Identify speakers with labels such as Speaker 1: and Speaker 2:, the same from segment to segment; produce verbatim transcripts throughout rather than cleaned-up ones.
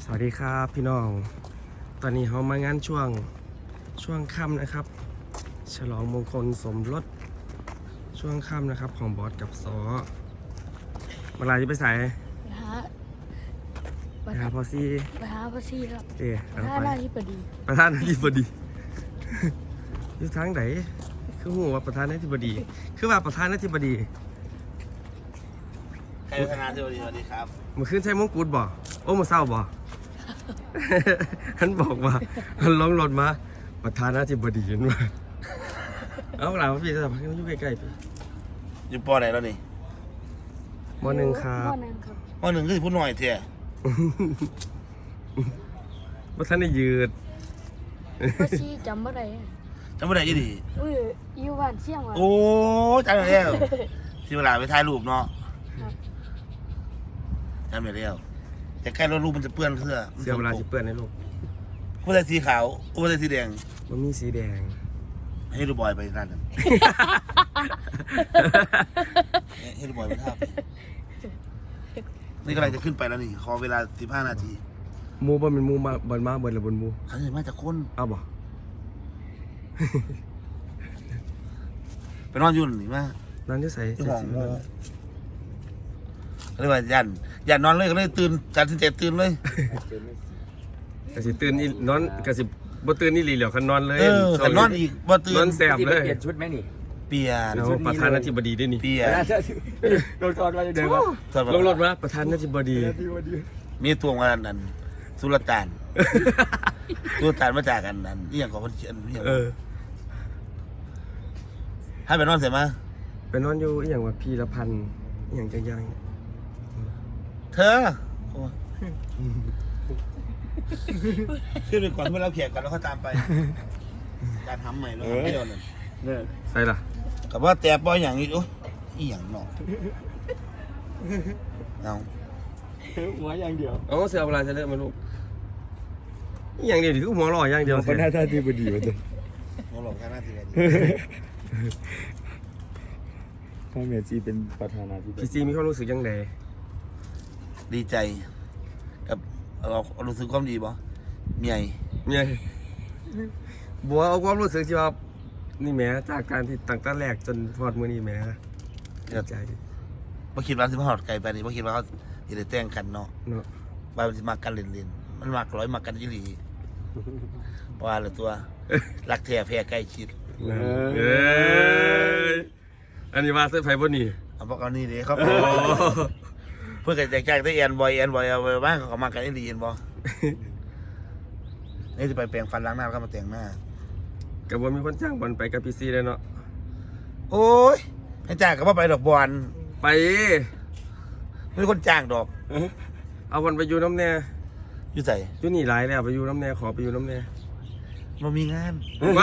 Speaker 1: สวัสดีครับพี่น้องตอนนี้เขามางานช่วงช่วงค่ำนะครับฉลองมงคลสมรสช่วงค่ำนะครับของบอสกับซอเวลาจะไปใส่
Speaker 2: ไปหา
Speaker 1: ไปหาพอซี่
Speaker 2: ไปหาพระซีครับ
Speaker 1: เอ๊ะ
Speaker 2: ไปหาหน้าที่ปดี
Speaker 1: ประธานาธิบดี อยู่ทางไหนคือหัวประธานาธิบดี คือว่าประธานาธิบดี
Speaker 3: ใครพัฒนาสวัสดีสวัสดีครับ
Speaker 1: เมื่อคืนใช้มงกุฎบ่โอ้มาเศร้าบ่ ท่านบอกว่าท่านร้องรถมาประธานาธิบดีเห็นว่าเอาหล่ะพี่จะทำให้มันอยู่ใกล้ๆพี่
Speaker 3: อยู่ปอไหนแล้วนี่
Speaker 1: มอหนึ่งครับ
Speaker 2: มอหนึ่งครับ
Speaker 3: ปอหนึ่งก็สิพูดหน่อยเถอะ
Speaker 1: ว่าท่านได้ยืด
Speaker 2: พระซีจำไม่ได้
Speaker 3: จำไม่ได้ยี่ดี
Speaker 2: เอ้ยอยู่บ้านเชียงว่ะ
Speaker 3: โอ้จำได้แล้วที่เวลาไปถ่ายรูปเนาะ
Speaker 2: ครับ
Speaker 3: จำได้แล้วแต่ใกล้รถรูปมันจะเปื้อนเสื้อ
Speaker 1: เสื้อเวลาจะเปื้อนในลูก
Speaker 3: ผู้ใส่สีขาวผู้ใส่สีแดง
Speaker 1: มันมีสีแดง
Speaker 3: ให้ดูบอยไปนั่นน่ะให้ดูบอยไปท่าบนี่กำลังจะขึ้นไปแล้วนี่ขอเวลาสิบห้านาที
Speaker 1: หมูบนเป็นหมูมาบนมาบนหรือบนหมู
Speaker 3: เขาจะมาจากคน
Speaker 1: เอาบ่
Speaker 3: ไปนอนอยุ่นนี่มา
Speaker 1: นั่นที่ใส่
Speaker 3: ที่
Speaker 1: ใส่
Speaker 3: ห้อง
Speaker 1: สี
Speaker 3: โมเขาเรียกว่ายันยันนอนเลยก็เลยตื่นจันทร์สิบเจ็ดตื่นเลย
Speaker 1: กระสิตื่นอีนอนกระสิบ่ตื่นนี่หลีเหลียวคันนอนเลย
Speaker 3: เออแต่นอนอีกบ่ตื่
Speaker 1: นอน นแสบเลย
Speaker 4: เปลี่ยนชุดไหมนี่
Speaker 3: เปลี่ยน
Speaker 1: เอาประธานาธิบดีด้วยนี่
Speaker 3: เปลี่ยน
Speaker 4: โดนก่อนมาจะเดินมา
Speaker 1: ลงรถมาประธานาธิบดี
Speaker 3: มีตัวงานนั้นสุลต่าน สุลต่านมาจากกันนั้นนี่อย่างของคนเขียนนี่อย่าง
Speaker 1: เออ
Speaker 3: ให้ไปนอนเสร็จไหม
Speaker 1: ไปนอนอยู่อหย่างว่าพีละพันอหย่างจังยัง
Speaker 3: เธอโอ้ขึ้นไปก่อนเมื่อเราแขกกันแล้วเขาตามไปการทำใหม่แล้วทำไม่โดนเลย
Speaker 4: เนี่ย
Speaker 1: ใส่ล่ะ
Speaker 3: กับว่าแต่ปอยอย่างนี้โอ้ยอีหยังเนาะเอา
Speaker 4: หัวอย่างเดียว
Speaker 1: เอาเสื้อเวลาจะเลิกมาลูกอหย่างเดียวดิคือหัวหล่ออย่างเดียว
Speaker 4: คนหน้าตาดีพอดีวะเด็ก
Speaker 3: เราหลอกแค่หน้าที่
Speaker 4: พ่อเมียจีเป็นประธานาธิบ
Speaker 1: พี่
Speaker 4: ดี
Speaker 1: ซีมีความรู้สึกยังไง
Speaker 3: ดีใจกับเรารู้สึกความดีป่ะเมีย
Speaker 1: เนี่ยบัวเอาความรู้สึกที่ว่านี่แหม่จากการที่ตั้งแต่แรกจนพอดมือนี่แหม่ดีใจ
Speaker 3: บ่คิดว่าสิมาหอดไกลไปนี่บ่คิดว่าเขาจะได้แต่งกันเนาะ
Speaker 1: เนาะ
Speaker 3: ว่ามันสิมากันเล่นๆมันมากร้อยมากันยี่หลีว่าละตัวรักแท้แพ้ใกล้ชิด
Speaker 1: เอ้ยอันนี้ว่าเสื้อไฟบนนี่
Speaker 3: เอาพวกเอานี่ดิเขาเพื่อนกันแจกๆได้แอนบอยแอนบอยเอาไปบ้างเขาก็มากันยี่หลีเห็นบ่นี่จะไปแปรงฟันล้างหน้าแล้วก็มาแต่งหน้า
Speaker 1: กับว่ามีคนจ้างบอลไปกับพี่ซีเลยเนาะ
Speaker 3: โอ้ยให้จ้างก็บ่ไปดอกบอล
Speaker 1: ไป
Speaker 3: ไม่มีคนจ้างดอก
Speaker 1: เอาบอลไปอยู่น้ำแน่
Speaker 3: อยู่ใส่
Speaker 1: อยู่นี่หลายแล้วไปอยู่น้ำแน่ขอไปอยู่น้ำแน่
Speaker 3: มันมีงาน
Speaker 1: ไว้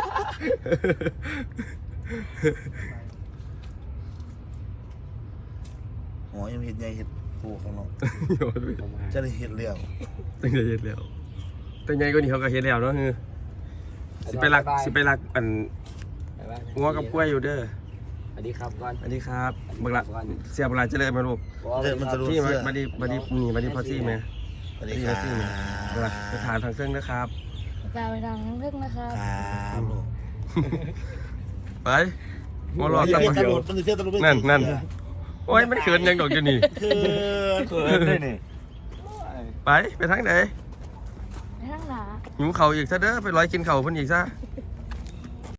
Speaker 3: อ๋อยังเห็ดใหญ่เห็ดปูของเรา
Speaker 1: โยนไป
Speaker 3: จะได้เห็ดเลี้ยว
Speaker 1: ตั้งใจเฮ็ดแล้วตั้งใจก็นี่เขาก็เฮ็ดแล้วเนาะคือสิไปรักสิไปรักอันงัวกับกล้วยอยู่เด้อ
Speaker 4: สวัสดีครับก่อน
Speaker 1: สวัสดีครับบักละเสียบลาเจริญมาลูก
Speaker 3: เดินมันจะรู้
Speaker 1: พี่มา
Speaker 3: เสื้อ
Speaker 1: มาดีมาดีนี่มาดีพอซี่ไหม
Speaker 3: สวัสดีครับ
Speaker 1: ซี่ไหมบักละไปทานทางเครื่องนะครับ
Speaker 2: กลายไปทางเรื่องนะครับ
Speaker 3: ครับลูก
Speaker 1: ไปมอรอ
Speaker 3: มัน
Speaker 1: ตั้ง
Speaker 3: เสื้อ
Speaker 1: มา
Speaker 3: ตำรวจมันเสื้อตำรวจ
Speaker 1: นั่นนั่นโอ้ยมันเขินยังดอกอยู่นี่
Speaker 3: คือ
Speaker 4: เขินเลยนี่
Speaker 1: ไปไปทางไหน
Speaker 2: ไปทางหนา
Speaker 1: หิวเข่าวอีกซะเด้อไปร้อยกินเข่าวเพิ่นอีกซะ